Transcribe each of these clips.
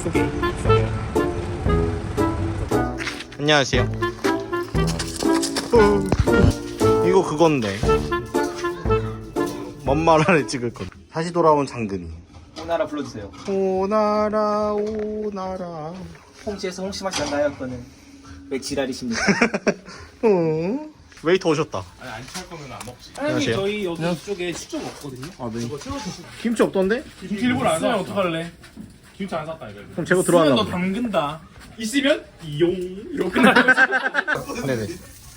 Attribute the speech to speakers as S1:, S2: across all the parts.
S1: 안녕하세요. 이거 그건데 뭔 말을 찍을 건. 다시 돌아온 장근이.
S2: 오나라 불러주세요.
S1: 오나라 오나라.
S2: 홍시에서 홍시 맛이 난다요. 그거는 왜 지랄이십니까?
S1: 웨이터 오셨다.
S3: 아니 안 찰 거면 안 먹지.
S1: 안녕하세요.
S3: 저희 여기 쪽에 시점 없거든요.
S1: 아, 네.
S3: 이거 채워 드시고.
S1: 김치 없던데?
S3: 김치 일부러 안 사면 어떡할래? 김치 안 샀다 이거.
S1: 그럼 제가
S3: 있으면
S1: 들어왔나
S3: 너
S1: 보다.
S3: 담근다. 있으면 이용 이렇게 끝나는 거지.
S1: 네네.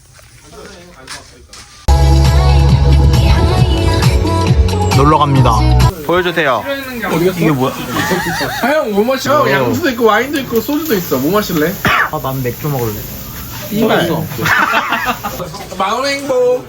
S1: 놀러 갑니다. 보여주세요. 이게 뭐야?
S4: 형 뭐 마셔? 양주도 있고 와인도 있고 소주도 있어. 뭐 마실래?
S1: 아, 난 맥주 먹을래.
S4: 이말 마음 행복.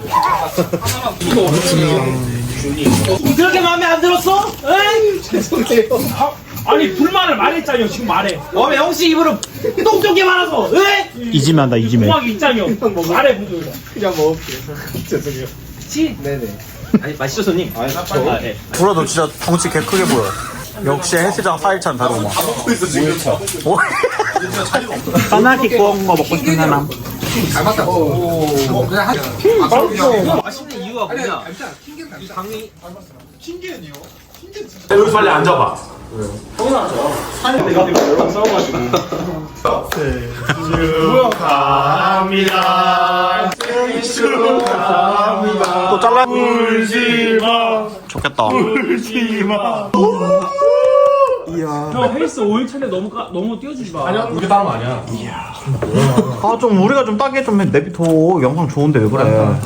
S2: 그렇게 마음에 안 들었어? 에이?
S3: 아니 불만을 말했잖여. 지금 말해.
S2: 왜 홍시 입으로 똥쪽게 말아서? 에?
S1: 이지매 한다, 이지매.
S3: 공학이 있잖여. 말해 무슨.
S4: 그냥 먹을게. 죄송해요.
S2: 네네. 아니 마시죠 손님. 아 네.
S1: 보라, 너 진짜 덩치 개 크게 보여. 역시 헬스장 4일차는 다르구만. 뭐? 까나기 구운 거 먹고 싶은 사람.
S4: 잘 맞다.
S2: 맛있는 이유가 뭐냐? 이 강이
S3: 여기 빨리 앉아봐. 축하합니다. 생일 축하합니다.
S1: 또 잘라.
S3: 울지마.
S1: 좋겠다.
S3: 울지마. 형 헬스 5일차인데 너무 띄워주지 마. 아니야, 그게 다름 아니야.
S1: 아, 좀 우리가 좀 따게 좀 내비둬. 영상 좋은데 왜 그래?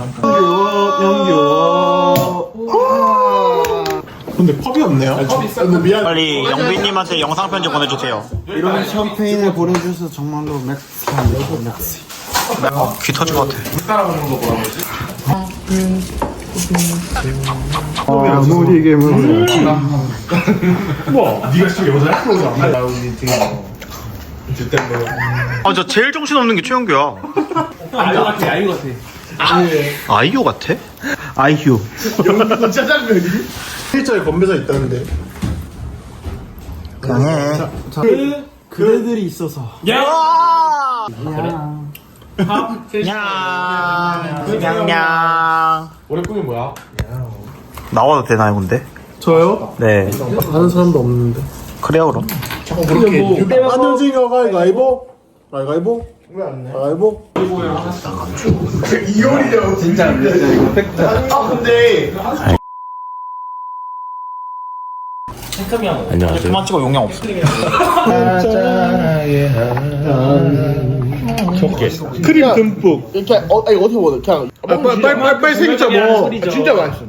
S5: 근데 컵이 없네요. 미안.
S1: 빨리 영빈님한테 영상 편지 보내주세요.
S5: 이런 샴페인을 보내주셔서 정말로 맥스합니다.
S1: 귀 터질 것 같아.
S5: 아무리 괴물.
S3: 네가 지금 여자야?
S1: 아, 저 제일 정신없는 게 최영규야.
S3: 아이유 같아, 아이유 같아.
S1: 아이유 같아? 아이유.
S5: 영국 짜장면이? 실제에 건배사 있다는데.
S1: 강해.
S5: 그대들이 있어서.
S3: 야!
S1: 냥냥.
S4: 올해 꿈이 뭐야?
S1: 나와도 되나요, 근데?
S5: 저요?
S1: 네.
S5: 아는 사람도 없는데.
S1: 그래요, 그럼.
S5: 안녕징어 가위바위보? 가위바위보? 가위바위보? 이효리요. 진짜 안 됐어, 이거 팩트. 아, 근데.
S1: 안녕하세요. 그만 찍어, 용량 없어.
S5: 크림 듬뿍. 이렇게, 아니, 어떻게 먹어? 그냥. 빨리 생기자, 뭐. 진짜 맛있어.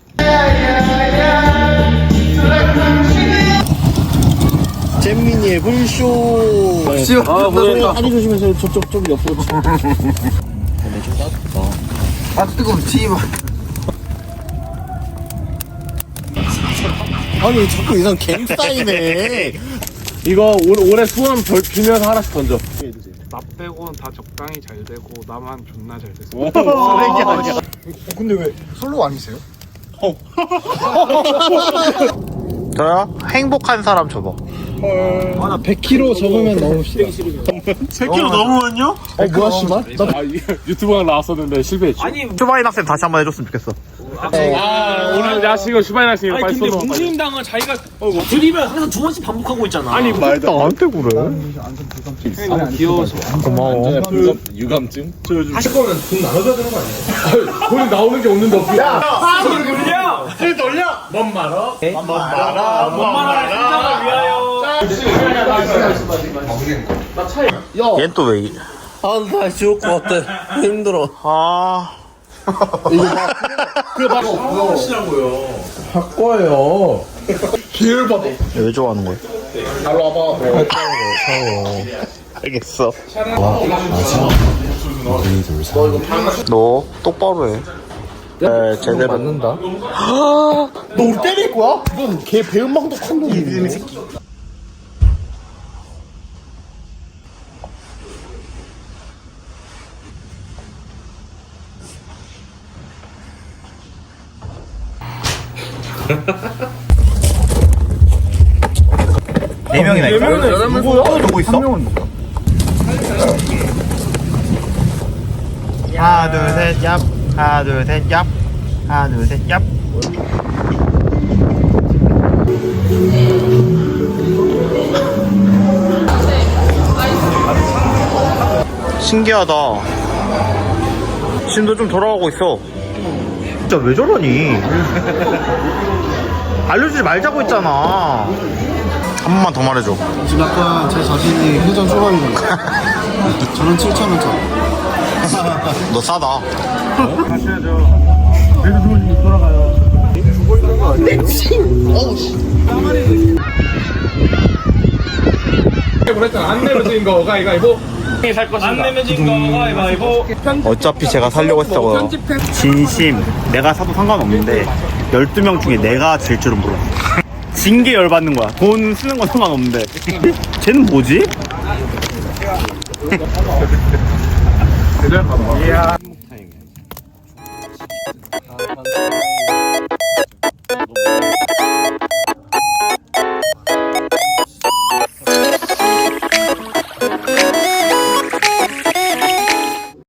S1: 잼민이의 불쇼.
S5: 다리 조심해서 저쪽, 좀 옆으로. 아, 뜨거워, 씨발. 아니, 자꾸 이상 갱 쌓이네.
S4: 이거 올해 소원 빌면서 하나씩 던져.
S6: 나 빼고는 다 적당히 잘 되고 나만 존나 잘 됐어.
S5: 쓰레기 아니야. 근데 왜 솔로 아니세요?
S1: 저요? 행복한 사람 줘봐.
S5: 아, 나 100kg 적으면 넘읍시다.
S1: 100kg 넘으면요?
S5: 뭐야, 씨발?
S4: 아, 유튜브가 나왔었는데 실패했지.
S2: 아니
S1: 슈바인 학생 다시 한번 해줬으면 좋겠어.
S4: 오늘 야식은 슈바인 학생이 빨리
S3: 근데
S4: 쏘서.
S3: 문수임당은 자기가
S2: 드립을 항상 두 번씩 반복하고 있잖아.
S3: 아니
S1: 말도 나한테 그래.
S2: 너무 귀여워서.
S1: 고마워.
S4: 유감증? 하실 거면 돈 나눠줘야 되는 거 아니에요? 돈이 나오는 게 없는데 어떻게?
S3: 신장을 위하여.
S1: 얜 또 왜?
S5: 아, 나 죽을 것 같아. 힘들어.
S1: 아.
S5: 바꿔요. 기회를 받아.
S1: 왜 좋아하는 거야?
S5: 날로 와봐.
S1: 알겠어. 너 똑바로 해. 네, 제대로.
S5: 맞는다. 너 우리 때릴 거야? 이건 걔 배은망덕 한 놈이네.
S1: 네 명이나 있다. 누구야? 누구 있어? 하나 둘셋 얍. 하나 둘셋 얍. 하나 둘셋 얍. 신기하다. 심도 좀 돌아가고 있어. 진짜 왜 저러니? 알려주지 말자고 했잖아. 한 번만 더 말해줘.
S5: 지금 약간 제 자신이 회전 초반입니다. 저는 7,000원짜리.
S1: 너 싸다.
S4: 그랬잖아. 안 내면 진 거 가위바위보.
S3: 안 내면 진거 가위바위보.
S1: 어차피 제가 살려고 했다고요. 진심 내가 사도 상관없는데 12명 중에 내가 질 줄은 몰랐어. 진 게 열받는 거야. 돈 쓰는 건 상관없는데 쟤는 뭐지?
S4: 대단하다.
S1: 이야.